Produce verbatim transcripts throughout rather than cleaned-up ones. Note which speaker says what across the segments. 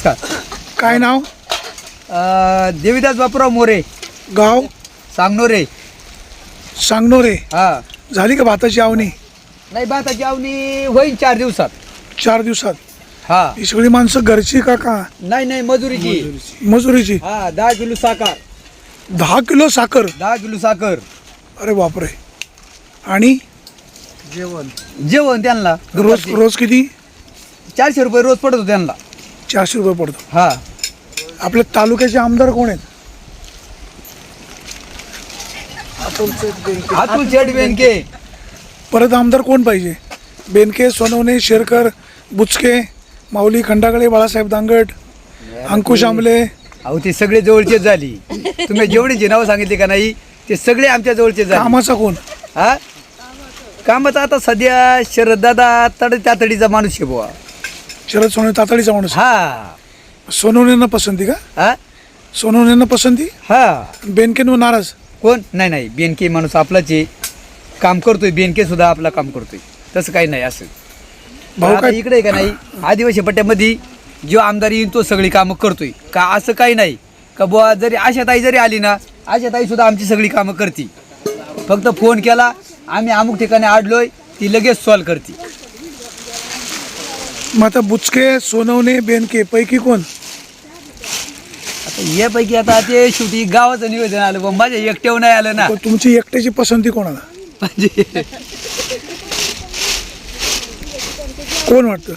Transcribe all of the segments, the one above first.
Speaker 1: नमस्कार.
Speaker 2: काय नाव?
Speaker 1: देवीदास बापूराव मोरे,
Speaker 2: गाव?
Speaker 1: सांगनोरे.
Speaker 2: सांगनोरे.
Speaker 1: हा.
Speaker 2: झाली का भाताची आवनी?
Speaker 1: नाही, भाताची आवनी होईल चार दिवसात.
Speaker 2: चार दिवसात?
Speaker 1: हा.
Speaker 2: ही सगळी माणसं घरची का का
Speaker 1: नाही नाही, मजुरीची.
Speaker 2: मजुरीची?
Speaker 1: हा. दहा किलो साखर.
Speaker 2: दहा किलो साखर?
Speaker 1: दहा किलो साखर.
Speaker 2: अरे बापरे. आणि
Speaker 1: जेवण जेवण त्यांना
Speaker 2: रोज रोज किती?
Speaker 1: चारशे रुपये रोज पडतो त्यांना.
Speaker 2: चारशे रुपये पडतो.
Speaker 1: हा.
Speaker 2: आपल्या तालुक्याचे आमदार कोण आहेत?
Speaker 1: अतुल शेठ बेनके.
Speaker 2: परत आमदार कोण पाहिजे? बेनके, सोनवणे, शेरकर, बुचके, माऊली खंडागळे, बाळासाहेब दांगट, अंकुश आंबले.
Speaker 1: अहो ते सगळे जवळचेच झाली. तुम्ही जेवढी जे नावं सांगितली का नाही ते सगळे आमच्या जवळचे झाले.
Speaker 2: कामाचा कोण?
Speaker 1: हा. कामाचा आता सध्या शरददादा तड तातडीचा माणूस आहे बुवा.
Speaker 2: शरद सोनवणे तातडीचा माणूस.
Speaker 1: हा.
Speaker 2: सोनवणेंना पसंती का?
Speaker 1: हा.
Speaker 2: सोनवणेंना पसंती?
Speaker 1: हा.
Speaker 2: बेनकेंवर नाराज?
Speaker 1: कोण? नाही नाही, बेनके माणूस आपलाच आहे, काम करतोय. बेनके सुद्धा आपला काम करतोय, तसं काही नाही. असं
Speaker 2: भाऊ
Speaker 1: आता
Speaker 2: काय
Speaker 1: इकडे आहे का नाही, आदिवासी पट्ट्यामध्ये जो आमदार येईल तो सगळी कामं करतोय का, असं काही नाही का बुवा. जरी आशाताई जरी आली ना, आशाताई सुद्धा आमची सगळी कामं करते. फक्त फोन केला, आम्ही अमुक ठिकाणी आडलोय, ती लगेच सॉल्व करते.
Speaker 2: मग आता बुचके, सोनवणे, बेनके पैकी कोण?
Speaker 1: आता यापैकी आता ते शेवटी गावाचं निवेदन आलं, पण माझ्या एकट्यावर नाही आलं ना.
Speaker 2: पण तुमची एकट्याची पसंती कोणाला?
Speaker 1: म्हणजे
Speaker 2: कोण वाटतं?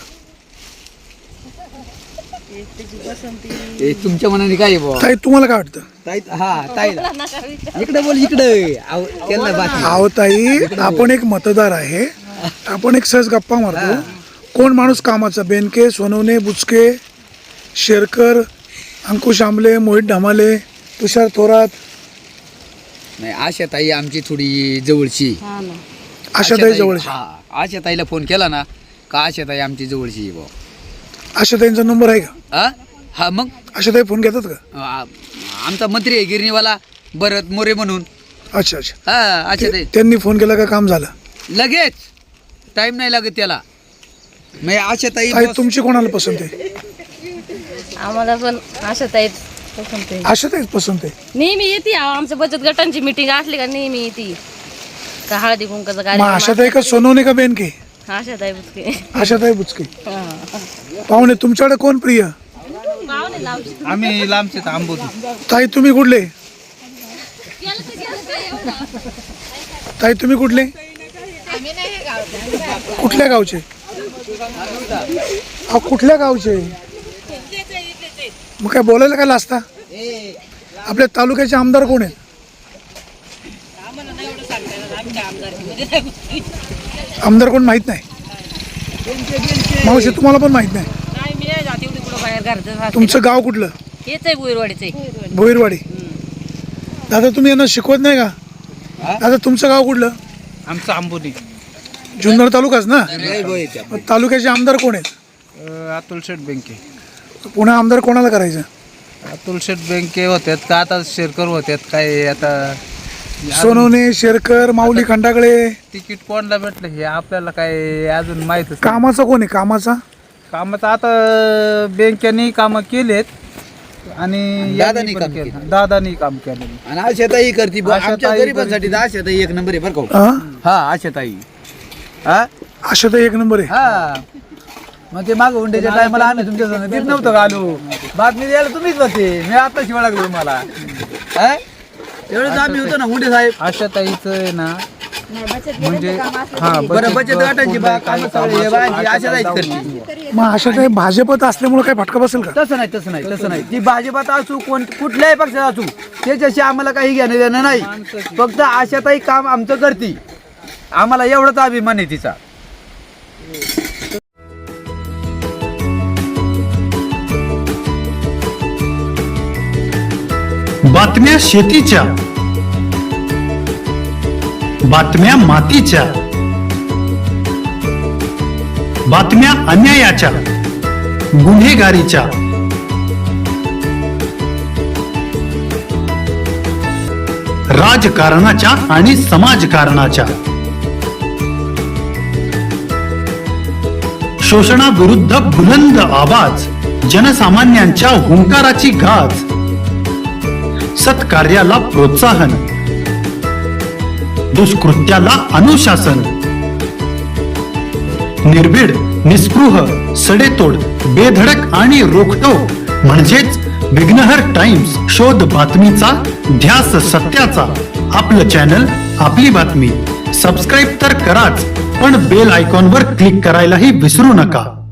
Speaker 1: हे तुमच्या मनाने काय आहे बुवा?
Speaker 2: ताई तुम्हाला काय वाटतं?
Speaker 1: ताई. हा. ताईला इकडे बोल, इकडे. अहो, त्यांना बातमी.
Speaker 2: अहो ताई, आपण एक मतदार आहे, आपण एक सहज गप्पा मारतो. कोण माणूस कामाचा? बेनके, सोनवणे, बुचके, शेरकर, अंकुश आंबले, मोहित ढमाले, तुषार थोरात.
Speaker 1: नाही, आशाताई आमची थोडी जवळची.
Speaker 2: आशाताई जवळची?
Speaker 1: हा. आशाताईला फोन केला ना का आशाताई आमची जवळची आहे बुवा.
Speaker 2: आशाताईंचा नंबर आहे का?
Speaker 1: हा. हा. मग
Speaker 2: आशाताई फोन घेतात का?
Speaker 1: आ- आमचा मंत्री आहे गिरणीवाला भरत मोरे म्हणून.
Speaker 2: अच्छा अच्छा.
Speaker 1: हा. आशाताई
Speaker 2: त्यांनी फोन केला का काम झालं?
Speaker 1: लगेच, टाइम नाही लागत त्याला. मग आशाताई
Speaker 2: ताई तुमची कोणाला पसंत आहे?
Speaker 3: आम्हाला पण आशाताईच पसंत आहे.
Speaker 2: आशाताईच पसंत आहे.
Speaker 3: नेहमी येते आमच्या बचत गटांची मिटिंग असली का नेहमी येते का हळदी कुंकाचा
Speaker 2: मग
Speaker 3: कार्यक्रम
Speaker 2: आशाताई का सोनवणे का बेनके?
Speaker 3: आशाताई बुचके.
Speaker 2: आशाताई बुचके. पाहुणे तुमच्याकडे कोण प्रिय?
Speaker 4: आम्ही लांबचे आंबोती.
Speaker 2: ताई तुम्ही कुठले? ताई तुम्ही कुठले? कुठल्या गावचे? अहो कुठल्या गावचे? मग काय बोलायला काय लाजता? आपल्या तालुक्याचे आमदार कोण आहेत? आमदार कोण माहित नाही? मावशी तुम्हाला पण माहित नाही? तुमचं गाव कुठलं?
Speaker 3: हेच आहे भुईरवाडीचे.
Speaker 2: भोईरवाडी. दादा तुम्ही यांना शिकवत नाही का? दादा तुमचं गाव कुठलं?
Speaker 4: आमचं आंबोली.
Speaker 2: जुन्नर तालुकाच ना? मग तालुक्याचे आमदार कोण आहेत?
Speaker 4: अतुल शेठ बेंके.
Speaker 2: पुन्हा आमदार कोणाला करायचं?
Speaker 4: अतुल शेठ बेंके होत्यात का आता शेरकर होत्यात काय आता?
Speaker 2: सोनवणे, शेरकर, माऊली खंडागळे.
Speaker 4: तिकीट कोणाला भेटलं हे आपल्याला काय अजून माहितच नाही.
Speaker 2: कामाचा कोण आहे? कामाचा
Speaker 4: कामाचं आता बँकेने कामं केलेत आणि
Speaker 1: दादानी
Speaker 4: यांनी पण
Speaker 1: काम
Speaker 4: केलं.
Speaker 1: केलं.
Speaker 4: दादानी काम केलं.
Speaker 1: आणि आशाताई करते बुवा. आमच्या
Speaker 4: आशाताई
Speaker 1: गरिबांसाठी तर आशाताई एक नंबर आहे बरं का.
Speaker 2: हा?
Speaker 1: हा. आशाताई. हा.
Speaker 2: आशाताई एक नंबर आहे.
Speaker 1: हा. मग ते मागं हुंड्याच्या टायमाला आम्ही तुमच्या संग देत नव्हतं का आलो. बातमी द्यायला तुम्हीच होते, मी आता शिवाय लागलो मला. हा. एवढंच आम्ही होतो ना हुंडे साहेब.
Speaker 4: आशाताईचं आहे ना म्हणजे हा
Speaker 1: बरं, बचत गटांची बा-
Speaker 4: काही
Speaker 1: कामं सगळी हे बायांची आशाताईच करते.
Speaker 2: मग आशाताई भाजपत असल्यामुळे काय फटका बसेल का?
Speaker 1: तसं नाही, तसं नाही, तसं नाही. ती भाजपात असू, कोण कुठल्याही पक्षात असू, त्याच्याशी आम्हाला काही घेणं देणं नाही. फक्त आशाताई काम आमचं करते, आम्हाला एवढाच अभिमान आहे तिचा.
Speaker 5: बातम्या शेतीच्या, बातम्या मातीच्या, बातम्या अन्यायाच्या, गुन्हेगारीच्या, राजकारणाच्या आणि समाजकारणाच्या, शोषणाविरुद्ध बुलंद आवाज जनसामान्यांच्या हुंकाराची गाज, सत्कार्याला प्रोत्साहन, दुष्कृत्याला अनुशासन, निर्भीड, निस्पृह, सडेतोड, बेधडक आणि रोखठोक म्हणजेच विघ्नहर टाइम्स. शोध बातमीचा, ध्यास सत्याचा. आपलं चॅनल, आपली बातमी. सबस्क्राईब तर कराच, पण बेल आयकॉनवर क्लिक करायलाही विसरू नका.